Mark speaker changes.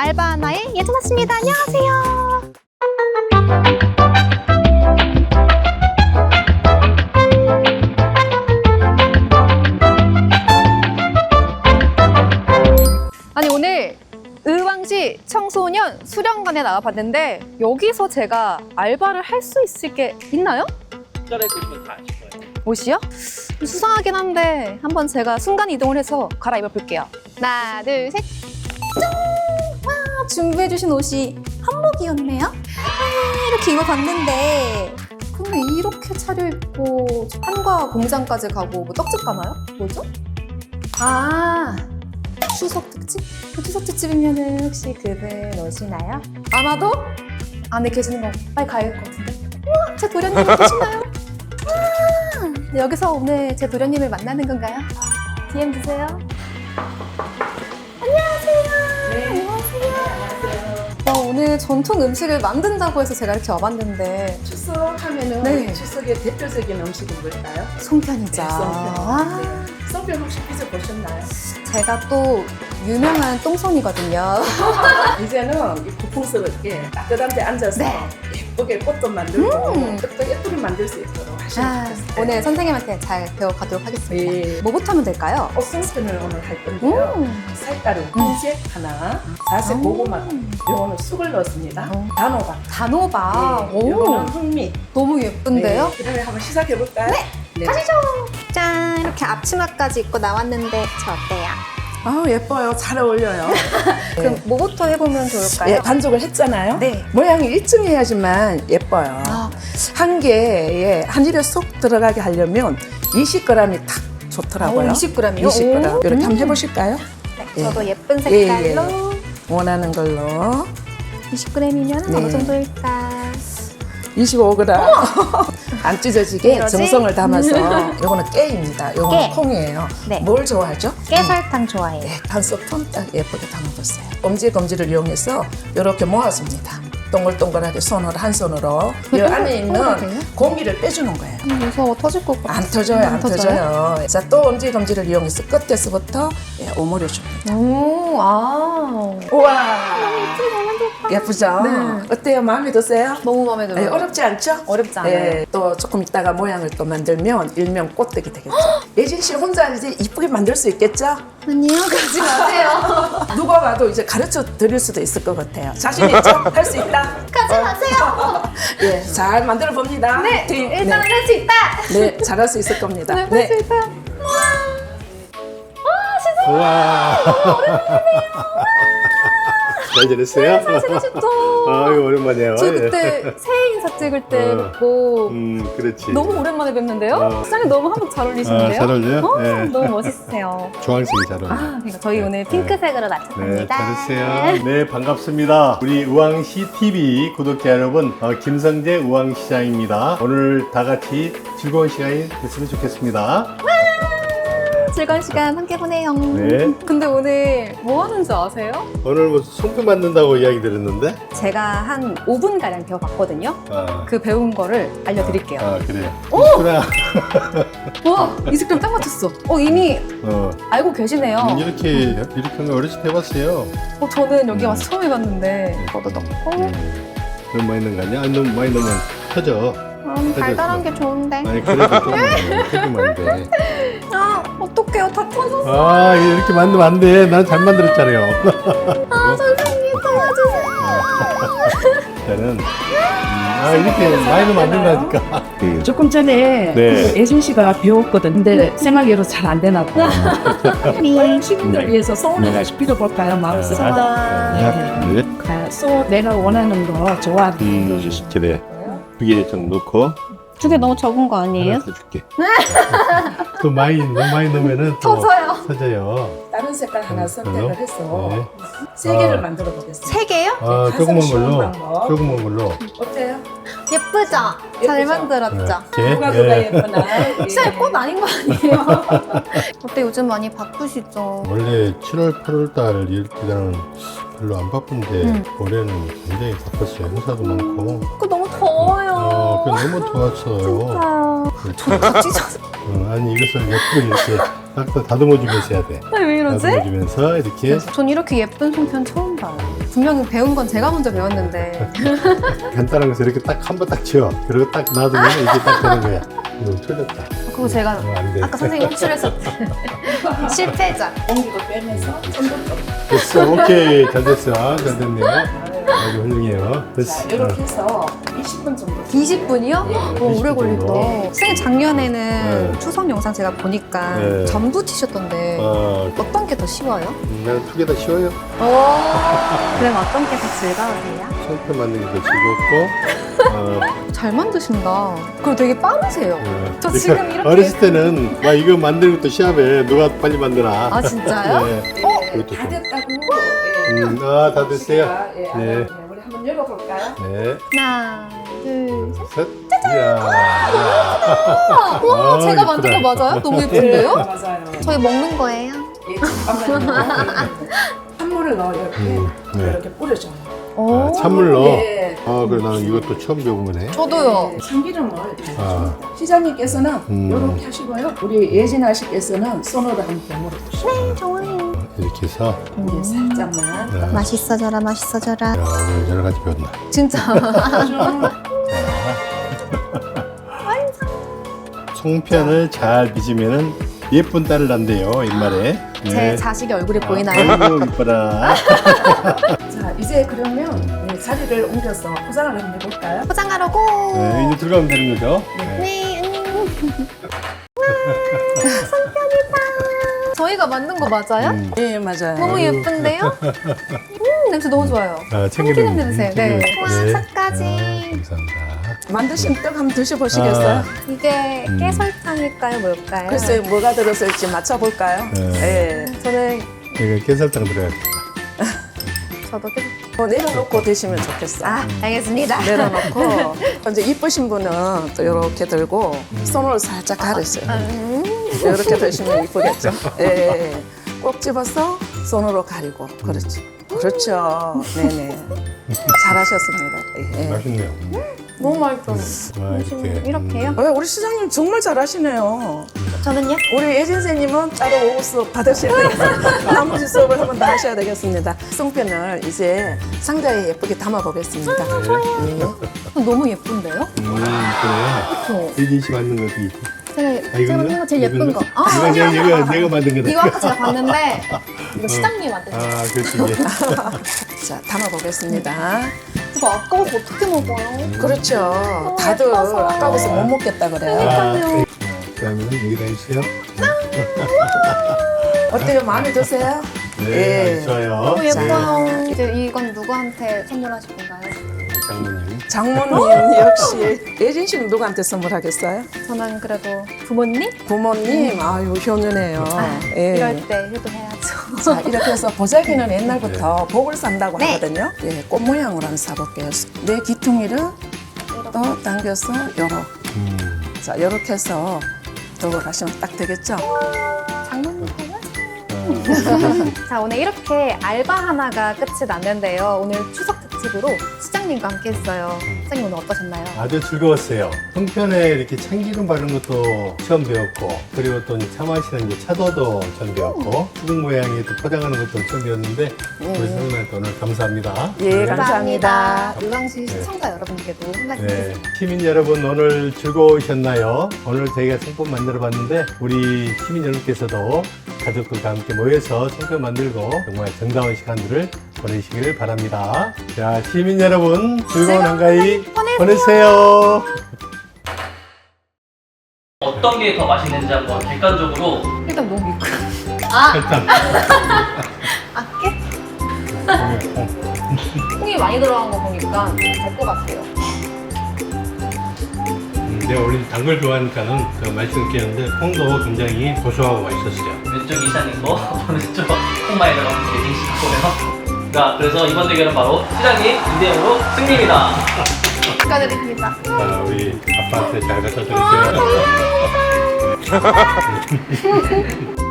Speaker 1: 알바 하나의 예전았습니다. 안녕하세요. 아니 오늘 의왕시 청소년 수련관에 나와봤는데 여기서 제가 알바를 할 수 있을 게 있나요?
Speaker 2: 잘해주시면 다 아실 거예요.
Speaker 1: 옷이요? 수상하긴 한데 한번 제가 순간 이동을 해서 갈아입어 볼게요. 하나, 둘, 셋. 짠! 와, 준비해주신 옷이 한복이었네요. 이렇게 입어봤는데 근데 이렇게 차려입고 한과 공장까지 가고 뭐 떡집 가나요? 뭐죠? 아, 추석 특집? 그 추석 특집이면은 혹시 그분 오시나요? 아마도 안에 계시는 거 빨리 가야 될 것 같은데. 우와, 제 도련님 계시나요? 네, 여기서 오늘 제 도련님을 만나는 건가요? DM 주세요. 안녕하세요.
Speaker 3: 네.
Speaker 1: 안녕하세요. 오늘 전통 음식을 만든다고 해서 제가 이렇게 와봤는데
Speaker 3: 추석 하면은
Speaker 1: 네.
Speaker 3: 추석의 대표적인 음식은 뭘까요?
Speaker 1: 송편이죠.
Speaker 3: 네, 송편.
Speaker 1: 아,
Speaker 3: 네. 송편 혹시 드셔보셨나요?
Speaker 1: 제가 또 유명한 똥손이거든요.
Speaker 3: 이제는 이 고풍스럽게 따뜻한 데 앉아서
Speaker 1: 네.
Speaker 3: 예쁘게 꽃도 만들고 떡도 예쁘게 만들 수 있도록 하시면
Speaker 1: 아,
Speaker 3: 좋겠어요.
Speaker 1: 오늘 선생님한테 잘 배워가도록 하겠습니다.
Speaker 3: 네.
Speaker 1: 뭐부터 하면 될까요?
Speaker 3: 꽃송편을 오늘 할 건데요. 쌀가루 흰색 하나, 자색 고구마, 요거는 쑥을 넣었습니다. 단호박,
Speaker 1: 단호박.
Speaker 3: 네, 요거는 흑미.
Speaker 1: 너무 예쁜데요?
Speaker 3: 네. 그러면 한번 시작해 볼까요? 네.
Speaker 1: 가시죠. 짠, 이렇게 앞치마까지 입고 나왔는데 저 어때요?
Speaker 3: 아 예뻐요. 잘 어울려요.
Speaker 1: 그럼 뭐부터 해보면 좋을까요?
Speaker 3: 예, 반죽을 했잖아요.
Speaker 1: 네.
Speaker 3: 모양이 일정해야지만 예뻐요.
Speaker 1: 아.
Speaker 3: 한 개에 한 입에 쏙 들어가게 하려면 20g이 딱 좋더라고요.
Speaker 1: 20g이요?
Speaker 3: 20g. 이렇게 한번 해보실까요?
Speaker 1: 네, 저도 예쁜
Speaker 3: 예,
Speaker 1: 색깔로
Speaker 3: 원하는 걸로
Speaker 1: 20g이면
Speaker 3: 네.
Speaker 1: 어느 정도일까?
Speaker 3: 25g. 안 찢어지게
Speaker 1: 이러지?
Speaker 3: 정성을 담아서 이거는 깨입니다. 이거는
Speaker 1: 깨.
Speaker 3: 콩이에요.
Speaker 1: 네.
Speaker 3: 뭘 좋아하죠?
Speaker 1: 깨설탕 좋아해요.
Speaker 3: 네, 한 스푼 딱 예쁘게 담아줬어요. 검지를 이용해서 이렇게 모아줍니다. 동글동글하게 손으로 한 손으로 이 안에 있는 공기를 빼주는 거예요.
Speaker 1: 무서워 터질 것 같아.
Speaker 3: 안 터져요, 안 터져요. 자, 또 검지를 이용해서 끝에서부터 오므려 줍니다.
Speaker 1: 오, 아.
Speaker 3: 우와, 예쁘죠?
Speaker 1: 네.
Speaker 3: 어때요? 마음에 드세요?
Speaker 1: 너무 마음에
Speaker 3: 네,
Speaker 1: 들어요.
Speaker 3: 어렵지 않죠?
Speaker 1: 어렵지 않아요.
Speaker 3: 네, 또 조금 있다가 모양을 또 만들면 일명 꽃떡이 되겠죠. 예진 씨 혼자 이제 이쁘게 만들 수 있겠죠?
Speaker 1: 아니요, 가지 마세요.
Speaker 3: 누가 봐도 이제 가르쳐 드릴 수도 있을 것 같아요. 자신 있죠? 할 수 있다?
Speaker 1: 가지 마세요.
Speaker 3: 예, 잘 만들어 봅니다.
Speaker 1: 네,
Speaker 3: 화이팅!
Speaker 1: 일단은 할 수 있다.
Speaker 3: 네, 잘할 수 있을 겁니다.
Speaker 1: 네, 할 수 있다.
Speaker 4: 와. 잘 지냈어요?
Speaker 1: 잘 지내셨죠?
Speaker 4: 아유, 오랜만이에요.
Speaker 1: 저
Speaker 4: 예.
Speaker 1: 그때 새해 인사 찍을 때 뵙고
Speaker 4: 그렇지.
Speaker 1: 너무 오랜만에 뵙는데요? 시장에 너무 한복 잘 어울리시는데요?
Speaker 4: 잘 어울려요? 예.
Speaker 1: 너무 멋있으세요.
Speaker 4: 주황색이 잘 어울려요.
Speaker 1: 아, 그러니까 저희 오늘 핑크색으로
Speaker 4: 네,
Speaker 1: 맞췄습니다.
Speaker 4: 잘했어요. 네, 반갑습니다. 우리 우왕시 TV 구독자 여러분, 김성재 우왕시장입니다. 오늘 다 같이 즐거운 시간이 됐으면 좋겠습니다.
Speaker 1: 즐거운 시간 함께 보내요.
Speaker 4: 네.
Speaker 1: 근데 오늘 뭐 하는지 아세요?
Speaker 4: 오늘 뭐 송편 만든다고 이야기 들었는데?
Speaker 1: 제가 한 5분가량 배워봤거든요.
Speaker 4: 아,
Speaker 1: 그 배운 거를 알려드릴게요.
Speaker 4: 그래요.
Speaker 1: 오!
Speaker 4: 그래.
Speaker 1: 와, 20g 딱 맞췄어. 이미
Speaker 4: 어,
Speaker 1: 알고 계시네요.
Speaker 4: 이렇게 하면 어렸을 때 해봤어요.
Speaker 1: 저는 여기 와서 처음 해봤는데 저도 넣고
Speaker 4: 너무 많이 넣은 거 아니야? 아니, 너무 많이 넣으면 터져.
Speaker 1: 달달한 게 좋은데.
Speaker 4: 아니, 그래도 조금만 안 돼.
Speaker 1: 아, 어떡해요. 다 터졌어.
Speaker 4: 아, 이렇게 만들면 안 돼. 난 잘 만들었잖아요.
Speaker 1: 아, 선생님 도와주세요.
Speaker 4: 저는 이렇게 많이 넣으면 안 된다니까.
Speaker 5: 조금 전에
Speaker 4: 네.
Speaker 5: 예준 씨가 배웠거든. 근데 생각외로 잘 안 되나 봐. 우리 시민들 위해서 소원 하나씩 빌어볼까요? 마음속으로.
Speaker 4: 네.
Speaker 5: 소 내가 원하는 거 좋아하는
Speaker 4: 그래. 두 개 좀 넣고.
Speaker 1: 두 개 너무 적은 거 아니에요?
Speaker 4: 하나 더 줄게. 또 너무 많이 넣으면은 또
Speaker 1: 터져요.
Speaker 4: 터져요.
Speaker 3: 다른 색깔 하나 선택을 해서
Speaker 4: 네.
Speaker 3: 3개를 만들어 보겠습니다.
Speaker 1: 3개요?
Speaker 4: 아,
Speaker 3: 가장
Speaker 4: 조그만
Speaker 3: 쉬운
Speaker 4: 걸로.
Speaker 3: 방법.
Speaker 4: 조그만 걸로.
Speaker 3: 어때요?
Speaker 1: 예쁘죠? 잘
Speaker 3: 예쁘죠?
Speaker 1: 만들었죠?
Speaker 4: 이렇게.
Speaker 3: 누가
Speaker 4: 예.
Speaker 3: 예쁘나?
Speaker 1: 진짜 꽃 아닌 거 아니에요? 어때 요즘 많이 바쁘시죠?
Speaker 4: 원래 7월, 8월 달 이럴 때는 별로 안 바쁜데 올해는 굉장히 바빴어요. 행사도 많고.
Speaker 1: 그거 너무 더워요.
Speaker 4: 그게 너무 좋았어요.
Speaker 1: 진짜요. 저 다 찢어서.
Speaker 4: 아니 이것을 예쁘게 이렇게 딱 다듬어 주면서 해야 돼.
Speaker 1: 왜 그러지?
Speaker 4: 다듬어주면서 이렇게
Speaker 1: 전 이렇게 예쁜 송편 처음 봐요. 분명히 배운 건 제가 먼저 배웠는데.
Speaker 4: 간단한 것을 이렇게 딱 한 번 딱 치워. 그리고 딱 놔두면 이게 딱 되는 거야. 이거 틀렸다.
Speaker 1: 그거 제가
Speaker 4: 안 돼.
Speaker 1: 아까 선생님 호출했었지. 실패자.
Speaker 5: 공기도 빼면서 손도 좀.
Speaker 4: 됐어. 오케이. 잘 됐어. 잘 됐네요. 아주 훌륭해요. 됐어.
Speaker 5: 자, 이렇게 해서 20분 정도.
Speaker 1: 20분이요? 오래
Speaker 4: 20분
Speaker 1: 걸린다.
Speaker 4: 정도.
Speaker 1: 선생님 작년에는
Speaker 4: 네.
Speaker 1: 추석 영상 제가 보니까
Speaker 4: 네.
Speaker 1: 전부 치셨던데 어떤 게 더 쉬워요?
Speaker 4: 나는 두 개 다 쉬워요.
Speaker 1: 그럼 어떤 게 더 즐거우세요?
Speaker 4: 손편 만드는 게 더 즐겁고.
Speaker 1: 잘 만드신다. 그리고 되게 빠르세요. 저
Speaker 4: 그러니까
Speaker 1: 지금 이렇게
Speaker 4: 어렸을 때는 막 이거 만드는 것도 시합에 누가 빨리 만드나.
Speaker 1: 아 진짜요?
Speaker 4: 네. 그것도
Speaker 5: 다
Speaker 4: 좀.
Speaker 5: 됐다고.
Speaker 4: 다 됐어요.
Speaker 5: 예,
Speaker 4: 네.
Speaker 5: 네. 우리 한번 열어볼까요?
Speaker 4: 네.
Speaker 1: 하나, 둘, 셋.
Speaker 4: 셋. 이야.
Speaker 1: 와,
Speaker 4: 아,
Speaker 1: 제가 만든 거
Speaker 4: 예쁘다.
Speaker 1: 맞아요? 너무 예쁜데요?
Speaker 5: 맞아요.
Speaker 1: 저희 먹는 거예요?
Speaker 5: 예, 잠깐만요. 찬물을 넣어요.
Speaker 4: 네.
Speaker 5: 이렇게 뿌려줘요.
Speaker 1: 오.
Speaker 4: 찬물로.
Speaker 5: 예.
Speaker 4: 그래 나는 이것도 처음 배운 거네.
Speaker 1: 저도요.
Speaker 5: 참기름을
Speaker 4: 아.
Speaker 5: 시장님께서는
Speaker 4: 음.
Speaker 5: 이렇게 하시고요. 우리 예진 아씨께서는 손으로 한 병으로 드시고
Speaker 1: 좋아요.
Speaker 4: 이렇게 해서.
Speaker 5: 예, 살짝만.
Speaker 4: 네.
Speaker 1: 맛있어져라, 맛있어져라.
Speaker 4: 야, 오늘 여러 가지 배웠나.
Speaker 1: 진짜.
Speaker 4: 송편을 잘 빚으면은 예쁜 딸을 낳는데요, 옛말에.
Speaker 1: 제 자식의 얼굴이 보이나요?
Speaker 4: 아이고, 이뻐라.
Speaker 5: 자, 이제 그러면 네, 자리를 옮겨서 포장을 한번 해볼까요?
Speaker 1: 포장하러 고!
Speaker 4: 네, 이제 들어가면 되는 거죠? 네.
Speaker 1: 네. 저희가 만든 거 맞아요?
Speaker 5: 예, 맞아요.
Speaker 1: 너무 예쁜데요? 냄새 너무 좋아요.
Speaker 4: 참기름
Speaker 1: 냄새. 네. 와, 색까지.
Speaker 4: 감사합니다.
Speaker 5: 만드신 떡 한번 드셔보시겠어요?
Speaker 1: 이게 깨설탕일까요? 뭘까요?
Speaker 5: 글쎄요, 뭐가 들었을지 맞춰볼까요?
Speaker 4: 네.
Speaker 5: 예.
Speaker 1: 저는
Speaker 4: 이거 깨설탕 들어야겠다.
Speaker 1: 저도 깨
Speaker 5: 내려놓고 드시면 좋겠어요.
Speaker 1: 아, 알겠습니다.
Speaker 5: 내려놓고 이제 이쁘신 분은 또 이렇게 들고 손으로 살짝 가르세요. 이렇게 드시면 이쁘겠죠? 예. 꼭 집어서 손으로 가리고 그렇지. 그렇죠. 네네. 잘하셨습니다. 예.
Speaker 4: 맛있네요.
Speaker 1: 너무 맛있어.
Speaker 4: 와, 이렇게.
Speaker 1: 이렇게요?
Speaker 5: 우리 시장님 정말 잘하시네요.
Speaker 1: 저는요?
Speaker 5: 우리 예진 선생님은 따로 수업 받으셔야 되겠습니다. 나머지 수업을 한번 더 하셔야 되겠습니다. 송편을 이제 상자에 예쁘게 담아보겠습니다.
Speaker 1: 너무 예쁜데요?
Speaker 4: 그래.
Speaker 1: 그렇죠?
Speaker 4: 일진 씨 만든 것도 있고.
Speaker 1: 제가 만든 거 제일 예쁜 거. 아,
Speaker 4: 이건 내가 만든 거다.
Speaker 1: 이거 아까 제가 봤는데 이거 시장님이 만든 거.
Speaker 4: 아, 그렇지. 이게.
Speaker 5: 자, 담아보겠습니다.
Speaker 1: 이거 아까워서 어떻게 먹어요?
Speaker 5: 그렇죠. 다들
Speaker 1: 예뻐서.
Speaker 5: 아까워서 못 먹겠다 그래요.
Speaker 1: 그러니까요.
Speaker 4: 그러면 여기다 해주세요.
Speaker 5: 어때요? 마음에 드세요?
Speaker 4: 네,
Speaker 5: 예.
Speaker 4: 좋아요.
Speaker 1: 너무 예뻐요. 이제 이건 누구한테 선물하실 건가요?
Speaker 4: 장모님.
Speaker 5: 장모님 역시 예진 씨는 누구한테 선물하겠어요?
Speaker 1: 저는 그래도 부모님?
Speaker 5: 부모님, 아유 효녀네요. 예.
Speaker 1: 이럴 때 효도해야죠.
Speaker 5: 자, 이렇게 해서 보자기는 옛날부터 복을 산다고
Speaker 1: 네.
Speaker 5: 하거든요. 예, 꽃 모양으로 한번 사볼게요. 내 귀퉁이를 또 당겨서 열어. 자, 이렇게 해서 들고 가시면 딱 되겠죠?
Speaker 1: 장모님 거는? 자, 오늘 이렇게 알바 하나가 끝이 났는데요. 오늘 추석 특집으로 시장님과 함께 했어요. 시장님 오늘 어떠셨나요?
Speaker 4: 아주 즐거웠어요. 송편에 이렇게 참기름 바른 것도 처음 배웠고, 그리고 또 차 마시는 이제 차도도 처음 배웠고, 수국 모양의 또 포장하는 것도 처음 배웠는데, 우리 선생님한테 오늘 감사합니다.
Speaker 5: 예, 감사합니다.
Speaker 1: 유광시 시청자 여러분께도 한 말씀
Speaker 4: 네,
Speaker 1: 해주세요.
Speaker 4: 시민 여러분 오늘 즐거우셨나요? 오늘 저희가 송편 만들어 봤는데 우리 시민 여러분께서도 가족들과 함께 모여서 송편 만들고 정말 정다운 시간들을 보내시기를 바랍니다. 자, 시민 여러분 즐거운 한가위 보내세요.
Speaker 2: 어떤 게 더 맛있는지 한번 객관적으로
Speaker 1: 일단 너무 믿고. 아!
Speaker 4: 일단
Speaker 1: 아깨? 콩이 많이 들어간 거 보니까 될 것 같아요.
Speaker 4: 내가 우리 단 걸 좋아하니까는 그 말씀드렸는데 콩도 굉장히 고소하고 맛있었어요.
Speaker 2: 왼쪽 이사님거 오른쪽 콩마에 들어간 예진 씨 거고요. 자, 그래서 이번 대결은 바로 시장님 2대0으로 승리입니다.
Speaker 1: 축하드립니다.
Speaker 4: 자, 우리 아빠한테 잘 갖다 드릴게요.